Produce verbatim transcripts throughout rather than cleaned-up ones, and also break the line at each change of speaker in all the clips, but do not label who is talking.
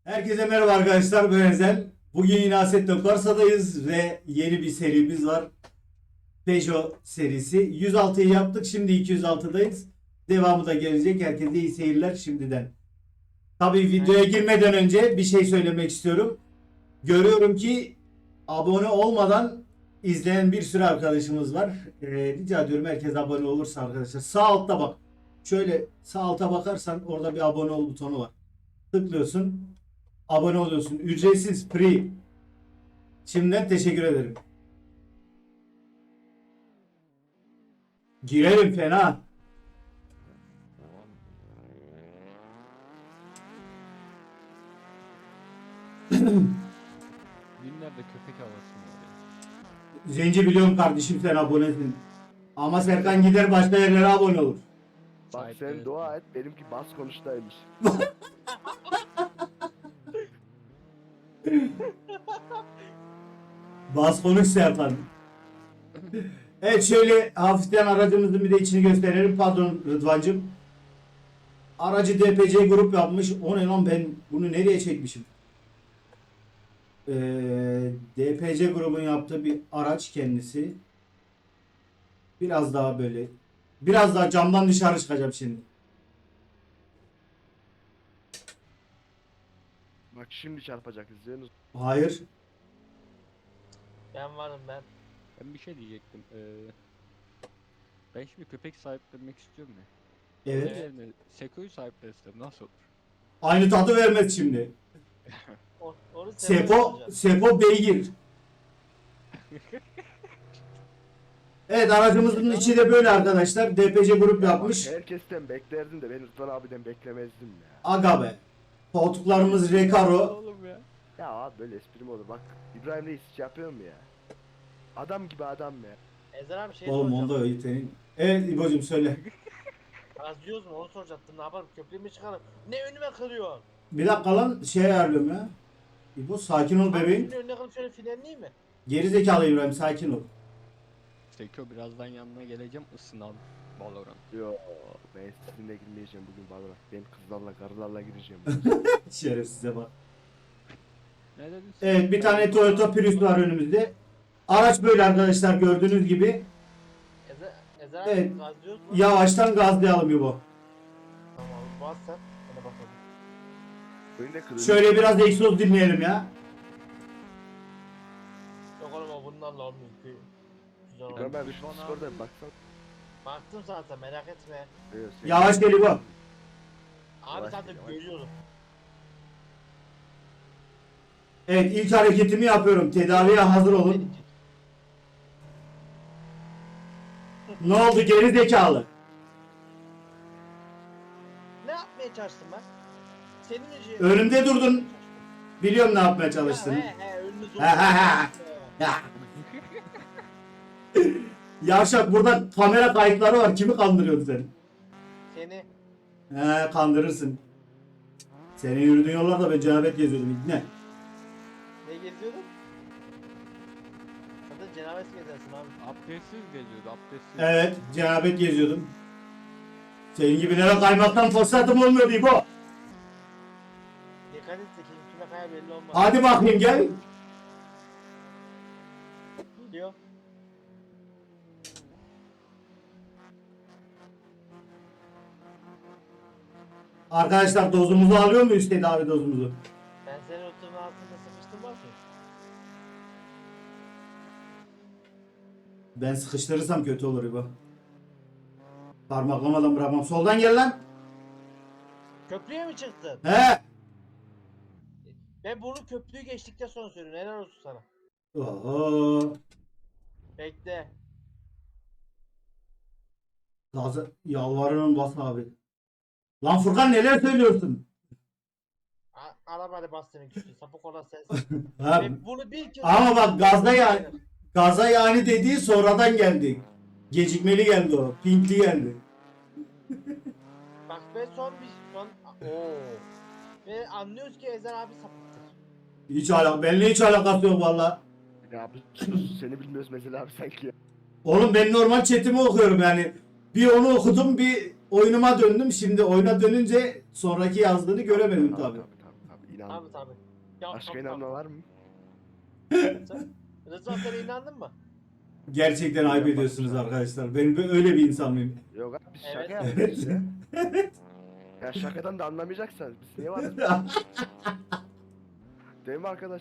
Herkese merhaba arkadaşlar, ben Ezel. Bugün yine Assetto Corsa'dayız ve yeni bir serimiz var. Peugeot serisi. yüz altıyı yaptık, şimdi iki yüz altıdayız. Devamı da gelecek. Herkese iyi seyirler şimdiden. Tabii videoya girmeden önce bir şey söylemek istiyorum. Görüyorum ki abone olmadan izleyen bir sürü arkadaşımız var. Ee, rica ediyorum herkes abone olursa arkadaşlar. Sağ altta bak. Şöyle sağ alta bakarsan orada bir abone ol butonu var. Tıklıyorsun. Abone oluyorsun. Ücretsiz, free. Şimdiden teşekkür ederim. Girelim fena.
Günlerde köpek havası var ya.
Zenci biliyorum kardeşim, sen abonesin. Ama Serkan gider başka yerlere abone olur.
Bak
Sahipleri
sen dua et, benimki bas konuştaymış.
Bas konuş Serkan. Evet, şöyle hafiften aracımızın bir de içini gösterelim. Pardon Rıdvancığım. Aracı D P C grup yapmış. O ne lan, ben bunu nereye çekmişim? Ee, D P C grubun yaptığı bir araç kendisi. Biraz daha böyle. Biraz daha camdan dışarı çıkacağım şimdi.
Bak şimdi çarpacak, izliyorsunuz.
Hayır.
Ben varım ben.
Ben bir şey diyecektim. Ee, ben şimdi köpek sahiplenmek istiyorum ya.
Evet.
Onun yerine Seko'yu sahiplensem nasıl olur?
Aynı tadı vermez şimdi.
O, onu sen
Sepo,
yapacaksın.
Sepo beygir. Evet, aracımızın içi de böyle arkadaşlar. D P C grup yapmış.
Bak, herkesten beklerdim de ben Rıdvan abiden beklemezdim ya.
Aga be. Koltuklarımız Recaro.
Oğlum ya.
Ya abi böyle espri mi olur? Bak İbrahim Reis hiç yapıyor mu ya? Adam gibi adam ya.
Ezer abi şey
Oğlum
soracağım.
onda öyle senin. Evet İbo'cum söyle.
Gazlıyoruz mu onu soracaktım. Ne yaparım, köprüyü mü çıkarım? Ne önüme kırıyor?
Bir dakika lan, şey ayarlıyorum ya. İbo sakin ol bebeğim.
Şimdi önüne kırıp şöyle frenleyeyim mi?
Gerizekalı İbrahim, sakin ol.
Seko birazdan yanına geleceğim, ısınalım. Valorant.
Yo ben sizinle girmeyeceğim bugün Valorant. Ben kızlarla karılarla gireceğim.
Şerefsize bak.
Ne dedin sen?
Evet, bir tane Toyota Prius var önümüzde. Araç böyle arkadaşlar, gördüğünüz gibi.
Ezer, Ezer abi
Evet.
gazlıyoruz mu?
Yavaştan gazlayalım İbo.
Tamam bas sen. Hadi bakalım.
Önünde kırıyor.
Şöyle biraz egzoz dinleyelim ya.
Yok oğlum o bunlarla olmuyor. Gü- Güzel
Ben
oldu.
ben şu
Rıdvan abi-
Discord'a bir baksana.
Baktım zaten merak etme.
Evet, sen-
Yavaş gel İbo.
Abi
Yavaş
zaten
yavaş.
görüyorum.
Evet, ilk hareketimi yapıyorum. Tedaviye hazır olun. Ne oldu geri zekalı?
Ne yapmaya çalıştım ben? Senin için.
Önümde durdun. Biliyorum ne yapmaya çalıştın.
He he önünü zor.
He, he, he. Ya. Yavşak, burada kamera kayıtları var. Kimi kandırıyorsun sen?
Seni.
He, kandırırsın. Senin yürüdüğün yollarda ben cenabet geziyordum. Ne?
Ne geziyordun? Zaten cenabet gezersin abi.
Abdestsiz geziyordu, abdestsiz.
Evet, cenabet geziyordum. Senin gibilere kaymaktan fırsatım olmuyordu İbo.
Dikkat et de kim kime kaya belli olmaz.
Hadi bakayım gel.
Geliyor.
Arkadaşlar, dozumuzu alıyor muyuz, tedavi dozumuzu?
Ben senin oturun altında sıkıştım bak mı?
Ben sıkıştırırsam kötü olur İbo. Parmaklamadan bırakmam. Soldan gel lan.
Köprüye mi çıktın?
He.
Ben bunu köprüyü geçtikten sonra söylüyorum. Helal olsun sana.
Oho.
Bekle.
Gaza yalvarırım, bas abi. Lan Furkan, neler söylüyorsun?
A- Arabayla bas senin güçlü. Sapık olan sensin.
Ha,
Ben bunu bir kez...
ama bak gazda ya, gaza yani dediği sonradan geldi. Gecikmeli geldi o. Pinkli geldi.
Bak ben son bir... Son... Oo. Ve anlıyoruz ki Ezer abi sapıktır.
Hiç alak, benimle hiç alakası yok valla.
Ya abi sus, seni bilmiyoruz mesela abi sanki ya.
Oğlum, ben normal chatimi okuyorum yani. Bir onu okudum, bir oyunuma döndüm. Şimdi oyuna dönünce sonraki yazdığını göremedim tabi.
Tabii tabii tabii. İnandım.
Tabii tabii. Ya,
Başka
tabii,
inanma
tabii.
var mı?
Sen- Rıza sen inandın mı?
Gerçekten ayıp
Yok,
ediyorsunuz
bakmış abi.
arkadaşlar. Ben böyle- öyle bir insan mıyım?
Yok abi biz şaka
Evet.
yapıyoruz ya. Ya şakadan da anlamayacaksanız biz niye varız? Değil mi arkadaş?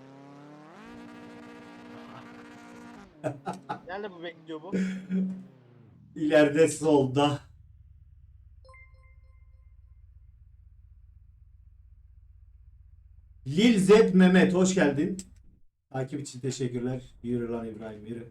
Nerede bu bekliyor bu?
İleride solda. Lil Z Mehmet hoş geldin. Takip için teşekkürler. Yürü lan İbrahim yürü.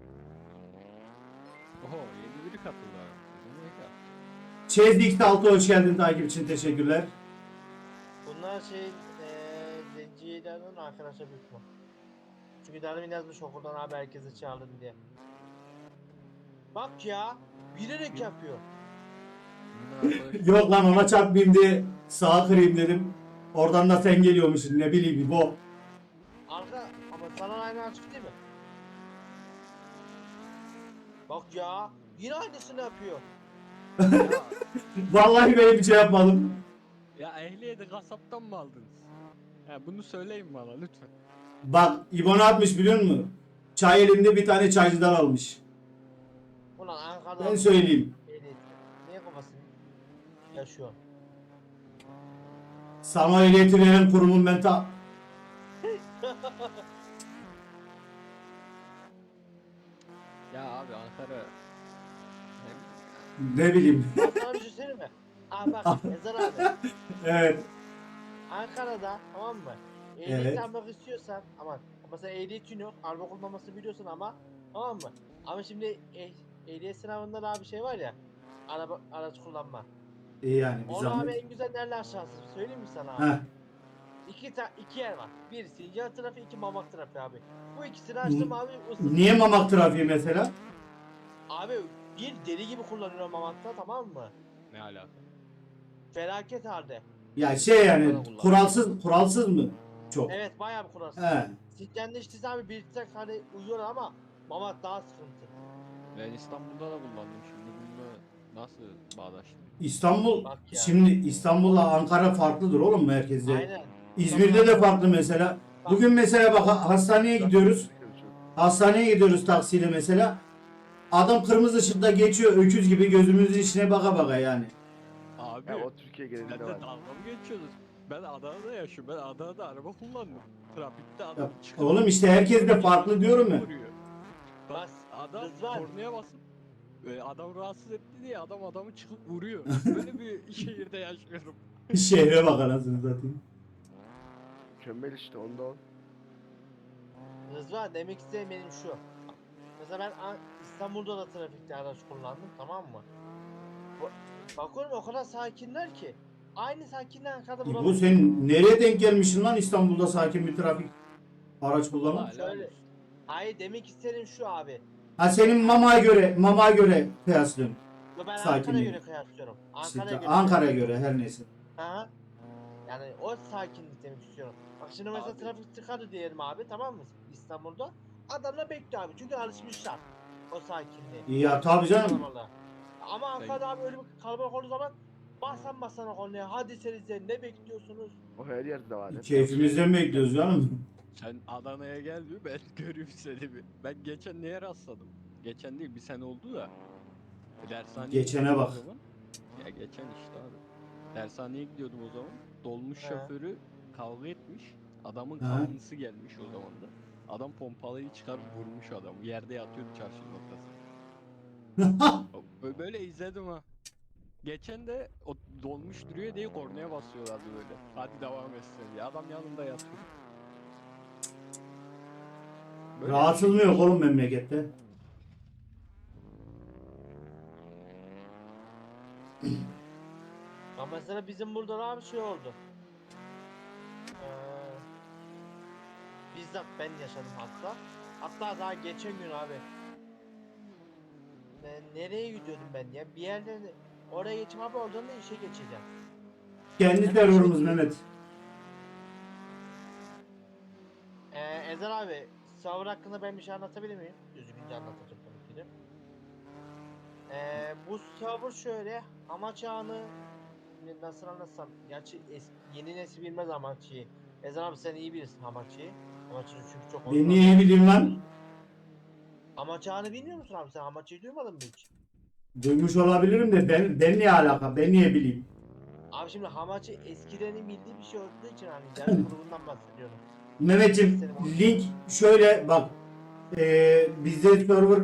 Oho yeni biri katıldı abi. Bu ne ya?
Chaz X altı hoş geldin. Takip için teşekkürler.
Bunlar şey eee zencilerden arkadaşa büyük mü? Çünkü Darwin yazmış okuldan abi herkese çağırın diye. Bak ya, bilerek yapıyor.
Bunun arkadaşı-
Yok lan ona çarpmayayım diye sağa kırayım dedim. Oradan da sen geliyormuşsun ne bileyim bu.
Arka ama sana aynı açık değil mi? Bak ya, yine aynısını yapıyor.
Vallahi böyle bir şey yapmadım.
Ya ehliyeti kasaptan mı aldınız? Ya bunu söyleyin bana lütfen.
Bak İbo ne yapmış biliyor musun? Çay elinde bir tane çaycıdan almış.
Ulan Ankara'da...
Ben söyleyeyim.
Ehliyet. Niye kafasını yaşıyor?
Sana ehliyeti veren kurumun ben ta...
Ya abi Ankara...
Ne bileyim.
Bak sana bir şey söyleyeyim mi? Aa bak Ezer abi.
Evet.
Ankara'da tamam mı? Ehliyet
Evet.
almak istiyorsan aman mesela ehliyetin yok, araba kullanmasını biliyorsun ama tamam mı? Ama şimdi eh, ehliyet sınavında da bir şey var ya. Araba araç kullanma.
İyi yani bir
Onu abi
zahmet.
en güzel nerede aşağısı söyleyeyim mi sana abi?
Heh.
İki, ta iki yer var. Bir Sincan trafiği, iki Mamak trafiği abi. Bu ikisini açtım abi. ısındım.
Niye Mamak trafiği mesela?
Abi bir deli gibi kullanıyor Mamak'ta tamam mı?
Ne alaka?
Felaket halde.
Ya şey yani
Bana kullan.
kuralsız kuralsız mı? Çok.
Evet bayağı bir kurarsız.
He.
Sincan'da işte abi bir tek hani uyuyor ama Mamak daha sıkıntı.
Ben İstanbul'da da kullandım şimdi bununla nasıl bağdaştırayım?
İstanbul
Bak ya.
şimdi İstanbul'la Ankara farklıdır oğlum merkezde.
Aynen.
İzmir'de de farklı mesela. Bugün mesela bak ha- hastaneye gidiyoruz. Hastaneye gidiyoruz taksiyle mesela. Adam kırmızı ışıkta geçiyor öküz gibi gözümüzün içine baka baka yani.
Abi
Ya o Türkiye
sen
genelinde
de
var.
dalga mı geçiyorsunuz? Ben Adana'da yaşıyorum. Ben Adana'da araba kullandım. Trafikte
Ya,
adam çıkıp...
oğlum işte herkes de farklı diyorum ya.
Vuruyor. Bak
Bas,
adam
Rızvan.
kornaya basıp e, adam rahatsız etti diye adam adamı çıkıp vuruyor. Böyle bir şehirde yaşıyorum.
Şehre bak anasını satayım.
Mükemmel işte onda on.
Rızvan demek istediğim benim şu. Mesela ben An- İstanbul'da da trafikte araç kullandım tamam mı? Ba- Bakıyorum o kadar sakinler ki. Aynı sakinliği Ankara'da
Bu
bulamıyorum.
sen nereye denk gelmişsin lan İstanbul'da sakin bir trafik araç kullanma?
Vallahi helal
şöyle-
olsun.
Hayır demek istedim şu abi.
Ha senin mamaya göre mamaya göre kıyaslıyorum.
Yo, Ben
Sakinliği.
Ankara'ya göre kıyaslıyorum.
İşte
Ankara'ya göre.
Ankara'ya göre her neyse.
Aha. Yani o sakinlik demek istiyorum. Bak şimdi mesela
Abi.
trafik tıkadı diyelim abi tamam mı İstanbul'da? Adamla bekliyor abi çünkü alışmışlar o sakinliğe.
Ya tabii canım.
Kalabalığa. Ama Ankara'da abi öyle bir kalabalık olduğu zaman basan basana konuya hadi senize ne bekliyorsunuz?
O her yerde var. hep
Keyfimizden bekliyoruz canım.
Sen Adana'ya gel bir ben göreyim seni bir. Ben geçen neye rastladım? Geçen değil bir sene oldu da. Dershaneye
Geçene
gidiyordum
bak.
o zaman. Ya geçen işte abi. Dershaneye gidiyordum o zaman. Dolmuş
He.
şoförü kavga etmiş. Adamın
He.
kanlısı gelmiş o zaman da. Adam pompalıyı çıkarıp vurmuş adamı. Yerde yatıyordu çarşının ortasında. Bö- Böyle izledim ha. Geçen de o dolmuş duruyor diye kornaya basıyorlardı böyle. Hadi devam etsin diye. Adam yanında yatıyor. Böyle bir
Rahatsız mı
şey.
yok oğlum memlekette?
Ya mesela bizim burada da bir şey oldu. Ee, bizzat ben yaşadım hatta. Hatta daha geçen gün abi. Ne- nereye gidiyordum ben ya? Bir yerden oraya geçeyim abi oradan da işe geçeceğim.
Kendi terörümüz Mehmet.
Ee, Ezer abi, server hakkında ben bir şey anlatabilir miyim? Düzgünce anlatacağım tabii ki de. Ee, bu server şöyle, amaç ağını şimdi nasıl anlatsam. Gerçi es- yeni nesil bilmez Hamachi'yi. Ezan abi sen iyi bilirsin Hamachi'yi. Hamachi'yi çünkü çok
Ben niye bileyim lan?
Hamachi ağını bilmiyor musun abi sen? Hamachi'yi duymadın mı hiç?
Duymuş olabilirim de ben ben niye alaka? Ben niye bileyim?
Abi şimdi Hamachi eskilerin bildiği bir şey olduğu için hani yarı grubundan bahsediyorum.
Mehmetciğim
Seni-
link şöyle bak. Ee, bizde server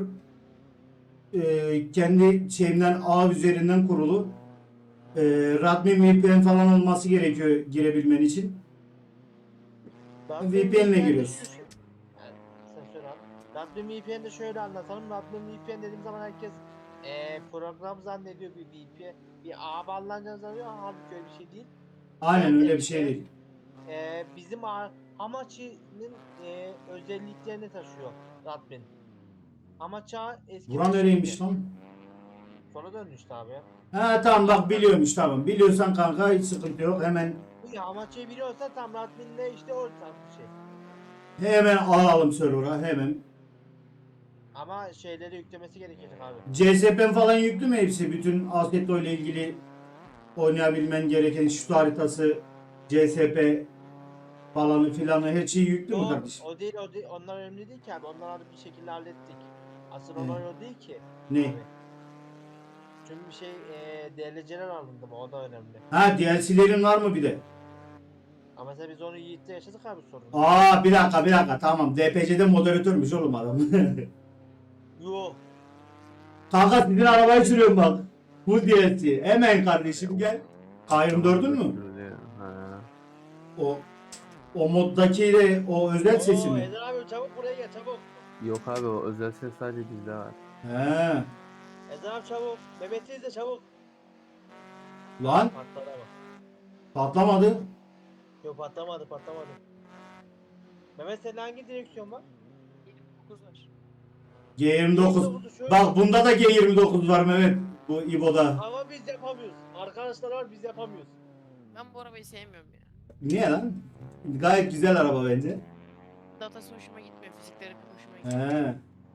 e, kendi şeyimden ağ üzerinden kurulu. E, Radmin V P N falan olması gerekiyor girebilmen için.
Raspberry
V P N ile
V P N'de
giriyoruz.
şu şey. Yani sen söyle abi. Raspberry V P N'de şöyle anlatalım. Raspberry V P N dediğim zaman herkes eee program zannediyor bir V P N. Bir ağ bağlanacağını zannediyor. Halbuki öyle bir şey değil.
Aynen öyle bir
Genellikle
şey değil.
eee bizim ağ, Hamachi'nin eee özelliklerini taşıyor Raspberry. Hamachi ağı eskiden
Buran nereymiş
şeydi.
lan?
Sonra döndü işte abi ya.
Ha tamam bak biliyormuş tamam. Biliyorsan kanka hiç sıkıntı yok. Hemen
Bu ya Hamachi'yi biliyorsan tam Raspberry'le işte o tarz bir şey.
hemen alalım server'a hemen.
Ama şeyleri yüklemesi gerekecek abi.
C S P N falan yüklü mü hepsi? Bütün Assetto ile ilgili oynayabilmen gereken şut haritası, C S P falanı filanı her şey yüklü mü
Yok
kardeşim?
o değil o değil onlar önemli değil ki abi onları bir şekilde hallettik. Asıl
He.
olay o değil ki.
Ne?
Abi. Çünkü bir şey e, D L C'ler alındı mı o da önemli.
Ha D L C'lerin var mı bir de?
Ama mesela biz onu Yiğit'te yaşadık abi sorun.
Aa bir dakika bir dakika tamam. D P C'de moderatörmüş oğlum adam.
Yo.
Kanka sizin arabayı sürüyorum bak. Bu D L C. Hemen kardeşim gel. K yirmi dördün mü?
Ha.
O o moddaki de o özel sesi
Oo
mi?
Ezer abi çabuk buraya gel çabuk.
Yok abi o özel ses sadece bizde var.
He.
Ezer abi çabuk. Mehmet'i izle çabuk.
Lan
Patladı ama.
patlamadı.
Yok patlamadı patlamadı. Mehmet senin hangi direksiyon var?
dokuz var.
G yirmi dokuz.
yirmi dokuzu şöyle-
Bak bunda da G yirmi dokuz var Mehmet. Bu İbo'da.
Ama biz yapamıyoruz. Arkadaşlar var biz yapamıyoruz.
Ben bu arabayı sevmiyorum ya.
Niye lan? Gayet güzel araba bence.
Datası hoşuma gitmiyor, fizikleri pek hoşuma gitmiyor.
He.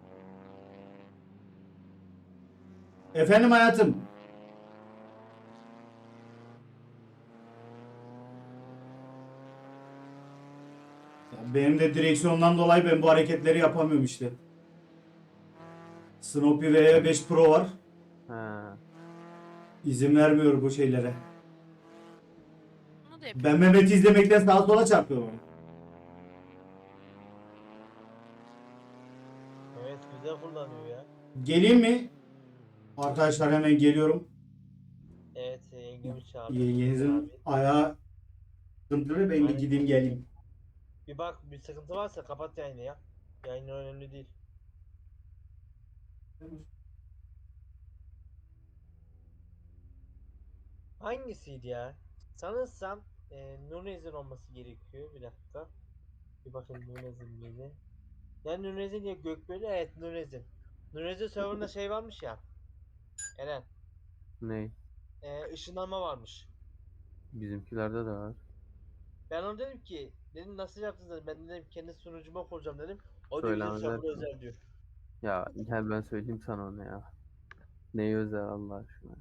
Efendim hayatım. Ya benim de direksiyondan dolayı ben bu hareketleri yapamıyorum işte. Snoopy V E beş Pro var.
Ha.
İzin vermiyor bu şeylere.
Bunu da yapıyorum.
Ben Mehmet'i izlemekten sağa sola çarpıyorum.
Evet güzel kullanıyor ya.
Geleyim mi? Arkadaşlar hemen geliyorum.
Evet yengemi çağırdı.
Yengenizin
Abi.
ayağı sıkıntılı ben bir
Aynen.
gideyim geleyim.
Bir bak bir sıkıntı varsa kapat yayını ya. Yayın önemli değil. Hangisiydi ya? Sanırsam e, Nunez'in olması gerekiyor. Bir dakika. Bir bakayım Nunez'in miydi? Ya Nunez'in ya Gökbeli evet Nunez'in. Nunez'in serverında şey varmış ya. Eren.
Ne?
E, ışınlanma varmış.
Bizimkilerde de var.
Ben ona dedim ki dedim nasıl yaptınız dedim. Ben dedim kendi sunucuma kuracağım dedim. O diyor bizim
Söylemezler
server
ki.
özel diyor.
Ya gel ben söyleyeyim sana onu ya. Neyi özel Allah aşkına.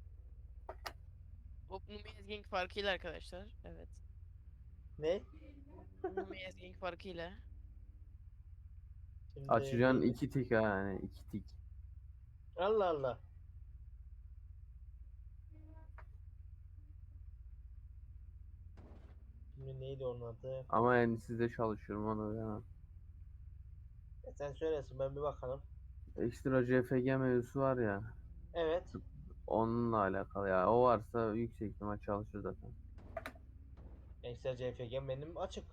Bu Numiyaz Gang farkıyla arkadaşlar. Evet.
Ne?
Numiyaz Gang farkıyla.
Şimdi
Açacaksın
neydi?
iki tik ha yani iki tik.
Allah Allah. Şimdi neydi onun adı?
Ama yani sizde çalışıyorum onu bilemem.
E sen söylesin ben bir bakalım.
Ekstra C F G mevzusu var ya.
Evet.
Onunla alakalı ya. O varsa yüksek ihtimal çalışır zaten.
Excel C F G benim açık.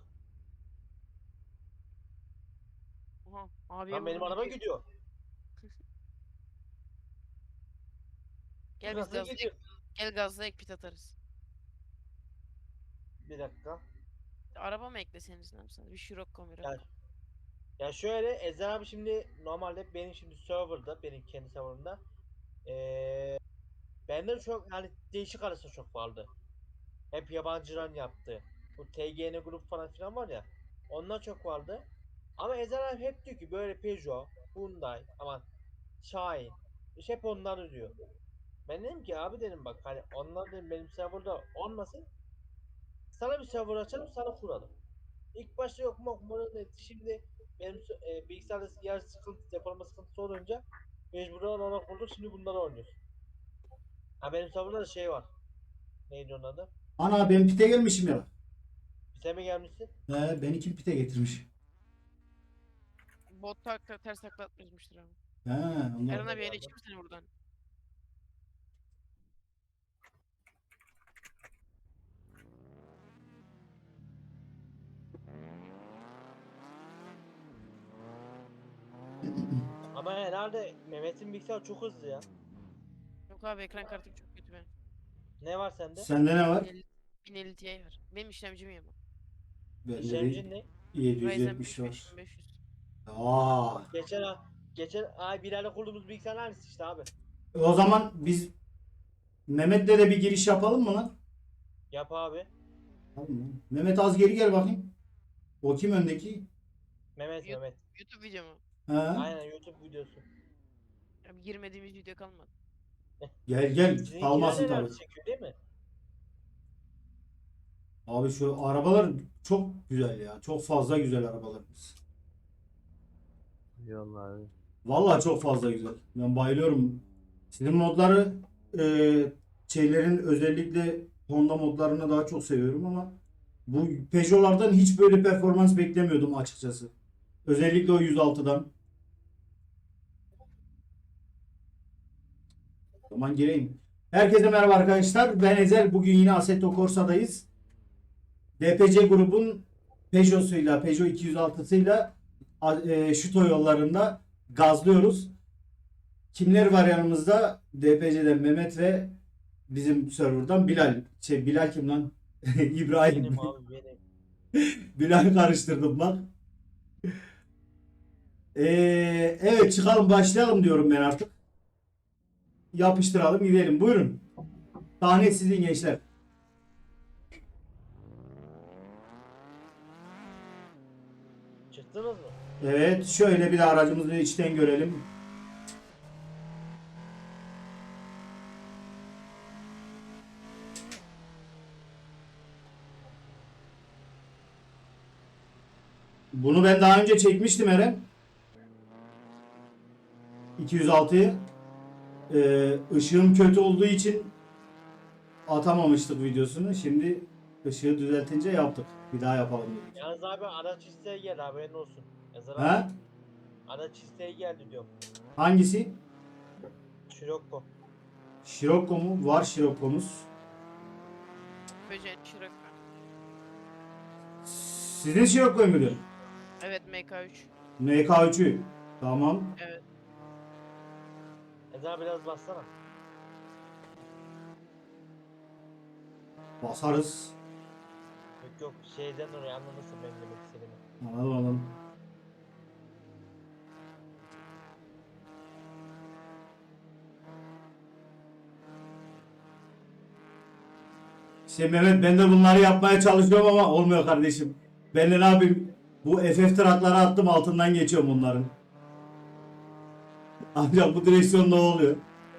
Oha. Abiye
Lan benim
vurdum
araba
gidiyor.
gidiyor.
Gel biz
Nasıl
gazla
gidiyor?
Gel gazla ek pit atarız.
Bir dakika.
Araba mı ekleseniz ne yapsanız? Bir Scirocco
Ya,
Mirocco.
ya şöyle Ezer abi şimdi normalde benim şimdi serverda benim kendi serverımda ee, bende çok yani değişik arası çok vardı. Hep yabancıların yaptığı. Bu T G N grup falan filan var ya. Onlar çok vardı. Ama Ezer abi hep diyor ki böyle Peugeot, Hyundai, aman Şahin. İşte hep onları diyor. Ben dedim ki abi dedim bak hani onlar dedim benim serverda olmasın. Sana bir server açalım sana kuralım. İlk başta yok mu bunu dedi. Şimdi benim e, bilgisayarda yer sıkıntı, depolama sıkıntısı olunca mecburen ona kurduk. Şimdi bunları oynuyoruz. Ha benim serverda da şey var. Neydi onun adı?
Ana ben pite gelmişim ya.
Bize mi gelmişsin?
He, beni kim pite getirmiş?
Bot tak tak- ters takla atmışmıştır abi.
He, onlar.
Eren abi yeni çıkmış seni buradan.
Ama herhalde Mehmet'in bilgisayarı çok hızlı ya.
Yok abi ekran kartım çok kötü benim.
Ne var sende?
Sende ne var?
bin elli bin elli Ti var. Benim işlemcim iyi ama.
Bende
İşlemcin
de
ne?
Ryzen
yedi yüz yetmiş
beş
var.
beş bin beş yüz.
Aa.
Geçen ay, geçen ay bir ayda kurduğumuz bilgisayar aynısı işte abi.
O zaman biz Mehmet'le de bir giriş yapalım mı lan?
Yap abi.
Tamam mı? Mehmet az geri gel bakayım. O kim öndeki?
Mehmet
Yok.
Mehmet.
YouTube video mu?
He?
Aynen YouTube videosu.
Abi girmediğimiz video kalmadı.
Gel gel.
Sizinkiler
Kalmasın
neler
tabii.
çekiyor değil mi?
Abi şu arabalar çok güzel ya. Çok fazla güzel arabalarımız.
Eyvallah abi.
Vallahi çok fazla güzel. Ben bayılıyorum. Sizin modları e, şeylerin özellikle Honda modlarını daha çok seviyorum ama bu Peugeot'lardan hiç böyle performans beklemiyordum açıkçası. Özellikle o yüz altıdan. O zaman gireyim. Herkese merhaba arkadaşlar. Ben Ezel. Bugün yine Assetto Corsa'dayız. D P C grubun Peugeot'suyla, Peugeot iki yüz altısıyla e, Şuto yollarında gazlıyoruz. Kimler var yanımızda? D P C'den Mehmet ve bizim serverdan Bilal. Şey Bilal kim lan? İbrahim.
Benim abi benim.
Bilal karıştırdım bak. Ee, evet çıkalım başlayalım diyorum ben artık. Yapıştıralım gidelim. Buyurun. Sahne sizin gençler.
Çıktınız mı?
Evet şöyle bir de aracımızı içten görelim. Bunu ben daha önce çekmiştim Eren. iki yüz altıyı. Ee, ışığım kötü olduğu için atamamıştık videosunu. Şimdi ışığı düzeltince yaptık. Bir daha yapalım dedik.
Yalnız abi araç isteği geldi haberin olsun. Yazar abi.
Ha?
Araç isteği geldi diyorum.
Hangisi?
Scirocco.
Scirocco mu? Var Scirocco'muz.
Böceğin şirak var.
Sizin Scirocco'yu mu diyor?
Evet M K üç.
M K üçü. Tamam.
Evet.
Yazar abi biraz bassana.
Basarız.
Yok yok şeyden oraya anlamışsın benim demek istediğimi.
Anladım anladım. İşte Mehmet ben de bunları yapmaya çalışıyorum ama olmuyor kardeşim. Ben de ne yapayım? Bu F F trakları attım altından geçiyorum bunların. Ancak bu direksiyonda oluyor.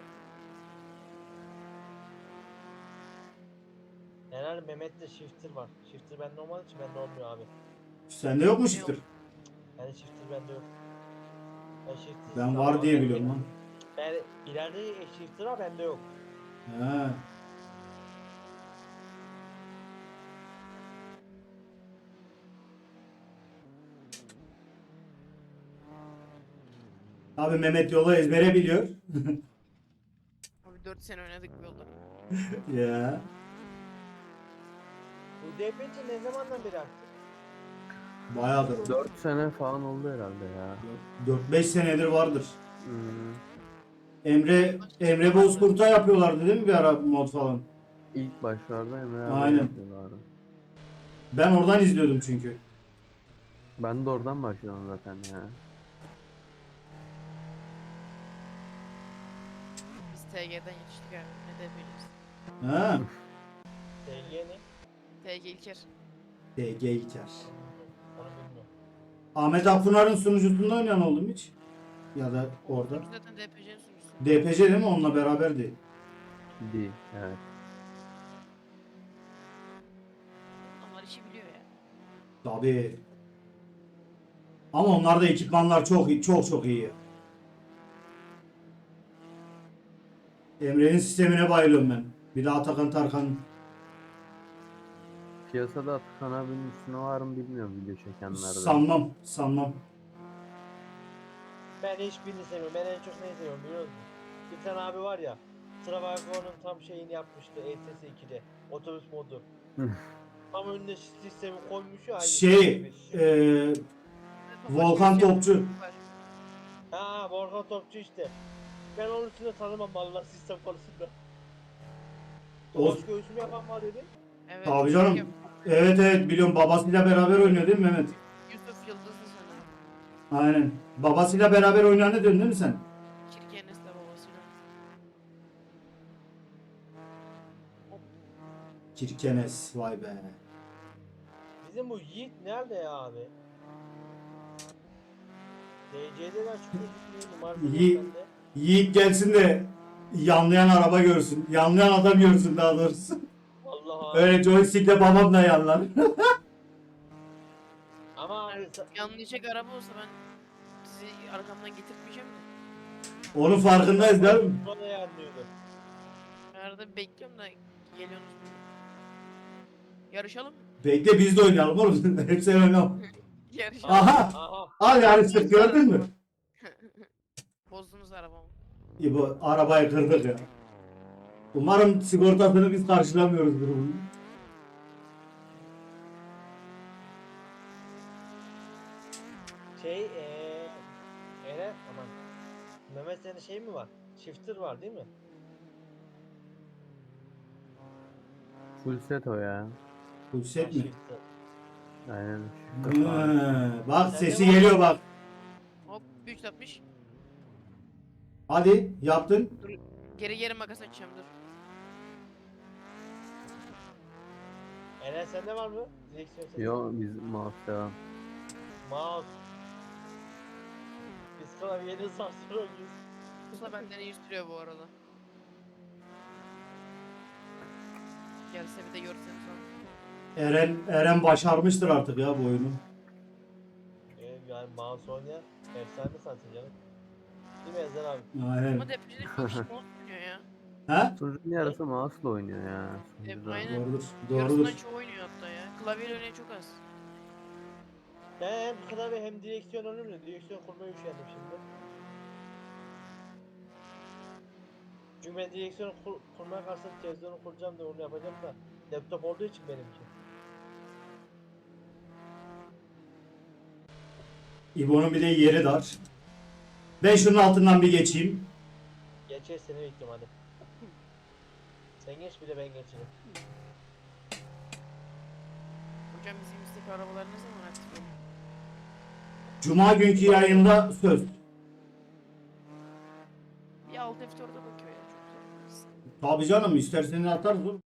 Herhalde Mehmet'te shifter var. Shifter bende olmadığı için bende olmuyor abi.
Sende yok mu shifter?
Yani shifter bende yok. Ben shifter
Ben var diye biliyorum lan.
Ben ileride shifter var bende yok.
He. Abi Mehmet yolu ezbere biliyor.
Abi dört sene oynadık bu yolda.
Ya.
Bu D P C ne zamandan beri aktif?
Bayağıdır.
dört sene falan oldu herhalde ya.
dört beş senedir vardır.
Hmm.
Emre Emre Bozkurt'a yapıyorlardı değil mi bir ara mod falan?
İlk başlarda Emre abi
Aynen.
yapıyorlardı.
Ben oradan izliyordum çünkü.
Ben de oradan başladım zaten ya.
Biz T G'den yetiştik abi. Ne de yapacağız.
Ha.
D G ne?
T G İlker.
D G İlker.
Onu bilmiyorum.
Ahmet Akpınar'ın sunucusunda oynayan oldu mu hiç? Ya da orada.
Zaten D P C'nin sunucusu.
D P C değil mi? Onunla beraberdi.
Değil. Evet.
Onlar işi biliyor ya.
Tabii. Ama onlarda ekipmanlar çok iyi, çok çok iyi. Emre'nin sistemine bayılıyorum ben. Bir de Atakan Tarkan.
Piyasada Atakan abinin üstüne var mı bilmiyorum video çekenlerden.
Sanmam, sanmam.
Ben hiçbirini sevmiyorum. Ben en çok neyi seviyorum biliyor musun? Bir tane abi var ya. Travago'nun tam şeyini yapmıştı E T S ikide. Otobüs modu. Tam önüne sistemi koymuş ya. aynı
Şey,
gibi.
eee Volkan Topçu.
Ha Volkan Topçu işte. Ben onun üstünde tanımam vallahi sistem konusunda.
O-
Boş göğsümü yapan var dedi.
Evet.
Tabii
çok
canım.
yap-
Evet evet biliyorum, babasıyla beraber oynuyor değil mi Mehmet?
Yusuf Yıldızlı sanırım.
Aynen. Babasıyla beraber oynayanı diyorsun değil mi sen?
Kirkenes'le babasıyla.
Kirkenes, vay be.
Bizim bu Yiğit nerede ya abi? D C'den çıkıyor gitmiyor numarası
Yiğit-
yok bende.
Yiğit gelsin de yanlayan araba görsün. Yanlayan adam görsün daha doğrusu.
Vallahi.
Öyle joystickle babam da yanlar.
Ama hani sa-
Yanlayacak araba olsa ben sizi arkamdan getirmeyeceğim de.
Onun farkındayız değil mi?
Sonra yanlıyordu.
Ben arada bekliyorum da geliyorsunuz. Yarışalım mı?
Bekle biz de oynayalım oğlum. Hep sen oynama.
Yarışalım.
Aha!
Aha.
Al yarıştık, gördün mü?
Bozdunuz arabamı.
İyi, bu arabayı kırdık ya. Umarım sigortasını biz karşılamıyoruzdur bunun.
Şey eee Eren aman. Mehmet senin şey mi var? Shifter var değil mi?
Full set o ya.
Bu set mi?
Shifter.
Aynen.
Hı, bak sesi geliyor bak.
Hop üç yüz altmış.
Hadi yaptın.
Geri geri makas açacağım dur.
Eren sende var mı? Direksiyon sesi.
Yo biz mouse devam.
Mouse. Biz klavyenin sarsıyor oynuyoruz.
Usta benden iyi sürüyor bu arada. Gelse bir de görseniz onu.
Eren Eren başarmıştır artık ya bu oyunu.
Ee, yani mouse oynayan efsane zaten canım. Değil mi Ezer abi?
Aynen.
Ama deprede çok iş mouse oynuyor ya.
Ha?
Sunucunun yarısı mouse'la oynuyor ya.
E,
sunucuda.
aynen.
Doğrudur. Doğrudur.
Yarısından çoğu oynuyor hatta ya. Klavyeyle oynayan çok az.
Ben hem klavye hem direksiyon önümle direksiyon kurmaya üşendim şimdi. Çünkü ben direksiyonu kur, kurmaya kalksam televizyonu kuracağım da onu yapacağım da laptop olduğu için benimki.
İbo'nun bir de yeri dar. Ben şunun altından bir geçeyim.
Geçer seni bekliyorum hadi. Sen geç bir de ben geçerim.
Hocam bizim istek arabalar ne zaman aktif oluyor?
Cuma günkü yayında söz.
Bir alt F dört'e bakıyor ya çok güzel.
Tabii canım, isterseniz atarız oğlum.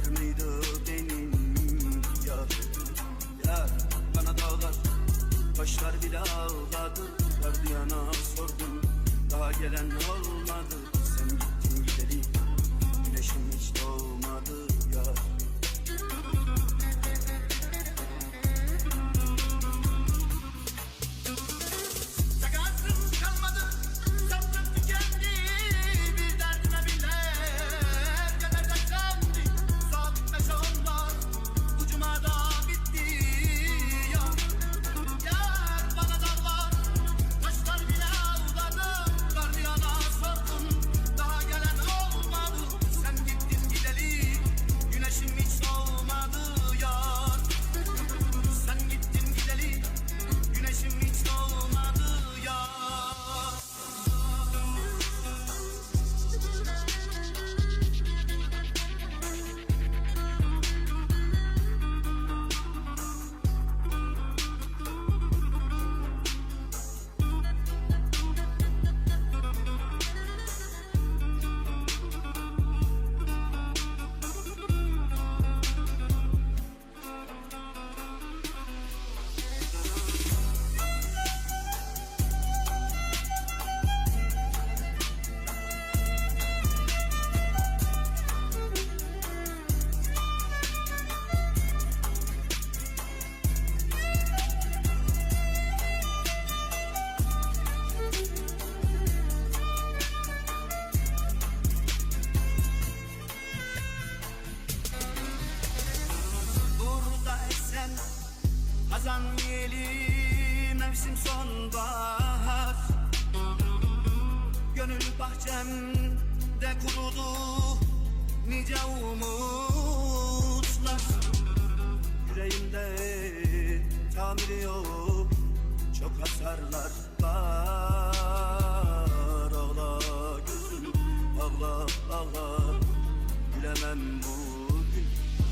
var mıydı benim yar? Yar bana dağlar, taşlar bile ağladı. Gardiyana sordum, daha gelen olmadı. Sen gittin gideli, güneşim hiç doğmadı yar. Sakatım kalmadı, sabrım tükendi. Bir derdime bile geleceklendi. Saat beş onlar, ucuma da bitti yar. Yar bana dağlar, taşlar bile ağladı. Gardiyana sordum, daha gelen olmadı. Sen gittin gideli, güneşim hiç doğmadı yar. Sen gittin gideli, güneşim hiç doğmadı yar. Burada esen hazan yeli, mevsim sonbahar. Gönül bahçemde kurudu nice umutlar. Yüreğimde tamiri yok, çok hasarlar var. Ağla gözüm, ağla ağla, gülemem bugün.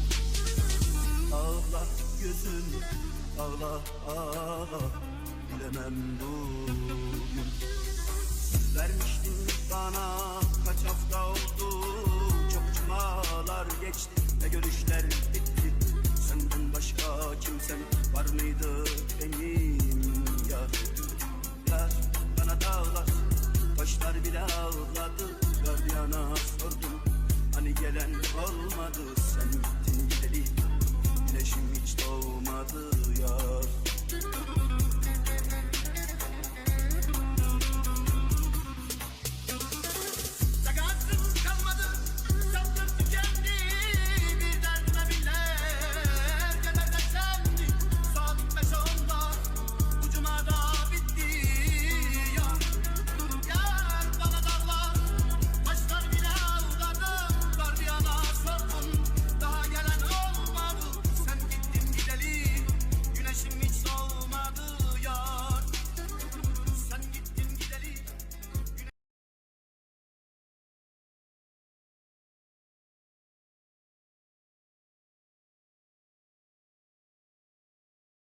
Ağla gözüm, ağla ağla, gülemem bugün. Vermiştin bana, kaç hafta oldu, çok cumalar geçti ve görüşler bitti. Senden başka kimsem var mıydı benim yar? Yar bana dağlar, taşlar bile ağladı. Gardiyana sordum, hani gelen olmadı. Sen gittin gideli, güneşim hiç doğmadı yar.